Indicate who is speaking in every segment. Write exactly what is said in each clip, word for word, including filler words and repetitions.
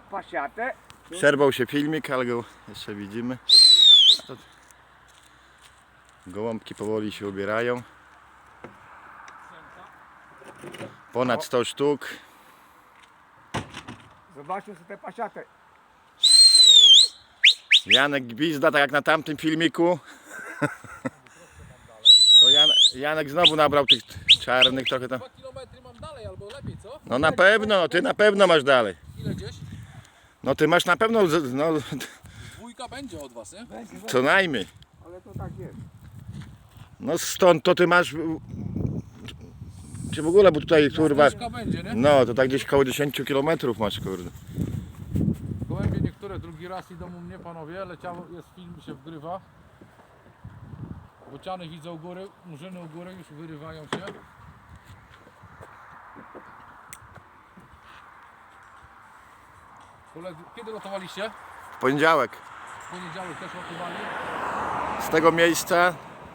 Speaker 1: pasiatę.
Speaker 2: Przerwał się filmik, ale go jeszcze widzimy. To... Gołąbki powoli się ubierają. Ponad sto sztuk.
Speaker 1: Zobaczcie sobie tę pasiatę.
Speaker 2: Janek gwizda, tak jak na tamtym filmiku. To Jan, Janek znowu nabrał tych czarnych trochę tam.
Speaker 3: dwa kilometry mam dalej, albo lepiej, co?
Speaker 2: No na pewno, ty na pewno masz dalej.
Speaker 3: Ile gdzieś?
Speaker 2: No ty masz na pewno, z- no
Speaker 3: Dwójka będzie od was, nie?
Speaker 2: co najmniej.
Speaker 1: Ale to tak jest.
Speaker 2: No stąd to ty masz, czy w ogóle, bo tutaj kurwa,
Speaker 3: Dwójka będzie, nie?
Speaker 2: no to tak gdzieś koło dziesięć kilometrów masz, kurde.
Speaker 3: Gołębie niektóre drugi raz idą u mnie, panowie. Leciało, jest film, się wgrywa. Bociany widzą u góry, murzyny u góry już wyrywają się. Koledzy, kiedy lotowaliście?
Speaker 2: W poniedziałek
Speaker 3: W poniedziałek też lotowali.
Speaker 2: z tego miejsca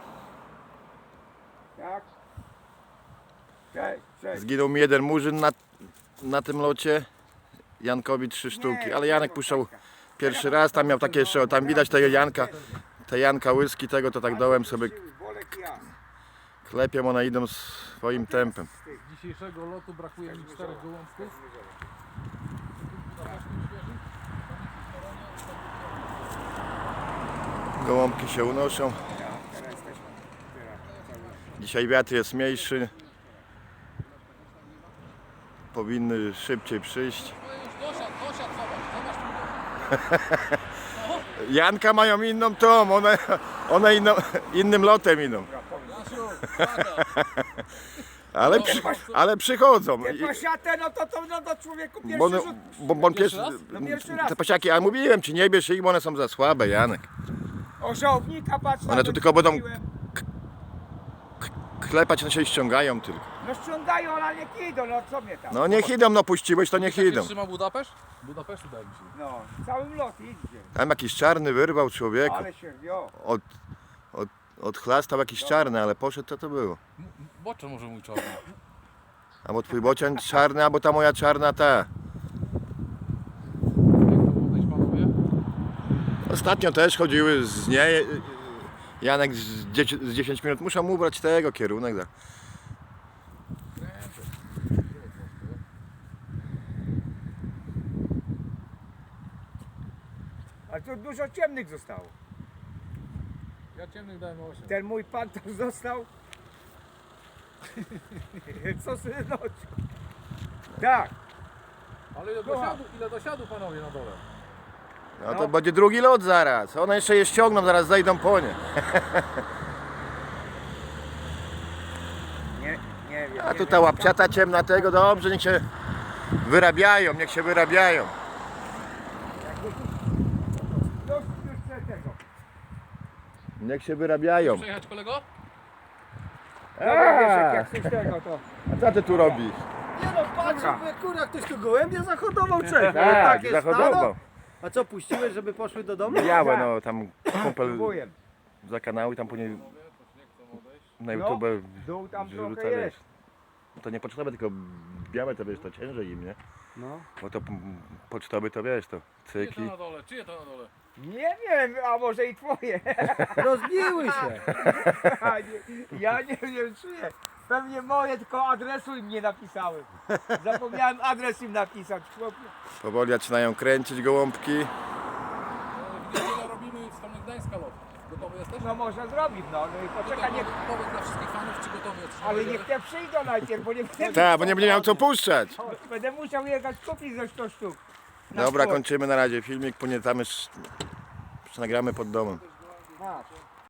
Speaker 1: Tak. Cześć, cześć.
Speaker 2: zginął mi jeden murzyn na, na tym locie. Jankowi trzy sztuki, ale Janek puszczał pierwszy raz, tam miał takie jeszcze, tam widać tego Janka, te Janka łyski tego, to tak dołem sobie
Speaker 1: Bolek ja.
Speaker 2: klepią, one idą swoim tempem.
Speaker 3: Z dzisiejszego lotu brakuje mi czterech gołąbków.
Speaker 2: Gołąbki się unoszą. Dzisiaj wiatr jest mniejszy. Powinny szybciej przyjść.
Speaker 3: No już dosiadł, dosiadł, zobacz, zobacz.
Speaker 2: Janka mają inną tą, one, one inno, innym lotem idą.
Speaker 3: Jasiu, uwaga.
Speaker 2: Ale, przy, ale przychodzą.
Speaker 1: Tę
Speaker 2: I-
Speaker 1: pasiatę, no to, to no to człowieku pierwszy
Speaker 2: Bo, one,
Speaker 1: rzut.
Speaker 2: bo, bo on
Speaker 3: Pierwszy
Speaker 2: pierwszy,
Speaker 3: raz?
Speaker 1: No pierwszy raz.
Speaker 2: te pasiaki, ale mówiłem ci, nie bierz ich, bo one są za słabe, Janek.
Speaker 1: O żołownika patrz.
Speaker 2: One
Speaker 1: tam
Speaker 2: tu tylko będą-
Speaker 1: wróciłem.
Speaker 2: Klepać, one się ściągają tylko.
Speaker 1: No ściągają, ale niech idą, no co mnie tam.
Speaker 2: No niech idą, no puściłeś, to niech
Speaker 3: Jak
Speaker 2: idą.
Speaker 3: się trzyma Budapeszt? Budapeszt udaje mi się.
Speaker 1: No, całym lot idzie.
Speaker 2: Tam jakiś czarny wyrwał człowieku.
Speaker 1: Ale się wio.
Speaker 2: Od, od, odchlastał jakiś czarny, ale poszedł, co to było?
Speaker 3: M- Bocze może mój czarny.
Speaker 2: Albo twój bocian czarny, albo ta moja czarna ta.
Speaker 3: Jak to odejść, panowie?
Speaker 2: Ostatnio też chodziły z niej. Janek z dziesięć, z dziesięć minut, muszę mu ubrać tego kierunek. Da.
Speaker 1: Ale tu dużo ciemnych zostało.
Speaker 3: Ja ciemnych dałem osiem.
Speaker 1: Ten mój pan to został. Co synoczku? Tak.
Speaker 3: Ale ile dosiadu, ile dosiadu panowie na dole?
Speaker 2: No to będzie drugi lot zaraz. One jeszcze je ściągną, zaraz zejdą po nie.
Speaker 1: Nie, nie wiem.
Speaker 2: A
Speaker 1: nie
Speaker 2: tu ta
Speaker 1: wiem.
Speaker 2: łapciata ciemna tego, dobrze, niech się wyrabiają, niech się wyrabiają.
Speaker 1: Już, już chcę tego.
Speaker 2: Niech się wyrabiają.
Speaker 3: Przejechać kolego?
Speaker 1: Dobra, Wieszek, jak coś tego to.
Speaker 2: A co ty tu robisz?
Speaker 4: Nie no, patrz, mówię, kurwa, ktoś tu gołębie zahodował, czek.
Speaker 2: Tak,
Speaker 4: Takie
Speaker 2: zahodował.
Speaker 4: stado. A co, puściłeś, żeby poszły do domu?
Speaker 2: Białe, no tam kumpel
Speaker 1: Próbuję.
Speaker 2: za kanały, tam później na
Speaker 1: No,
Speaker 2: YouTube
Speaker 1: dół tam
Speaker 2: wrzuca,
Speaker 1: trochę
Speaker 2: wiesz.
Speaker 1: jest.
Speaker 2: To nie pocztowe, tylko białe to wiesz, to ciężej im, nie?
Speaker 4: No.
Speaker 2: Bo to p- pocztowy to wiesz, to
Speaker 3: Czyje to
Speaker 2: cykli.
Speaker 3: na dole? Czyje to na dole?
Speaker 1: Nie wiem, a może i twoje.
Speaker 4: Rozbiły się.
Speaker 1: A nie, ja nie wiem czyje. Pewnie moje, tylko adresu im nie napisałem. Zapomniałem adres im napisać. chłopie.
Speaker 2: Powoli zaczynają kręcić gołąbki.
Speaker 3: E, W niedzielę robimy w stronę Gdańska lot. Gotowy jesteś?
Speaker 1: No można zrobić, no. no i poczekaj, niech,
Speaker 3: Powiedz dla wszystkich fanów, czy gotowy jesteś.
Speaker 1: ale niech te przyjdą najpierw, bo nie będę,
Speaker 2: Tak, bo nie będzie miał co puszczać.
Speaker 1: będę musiał jechać kupić ze sto sztuk. Na
Speaker 2: Dobra,
Speaker 1: sport.
Speaker 2: kończymy na razie filmik, później tam już nagramy pod domem.
Speaker 1: Masz.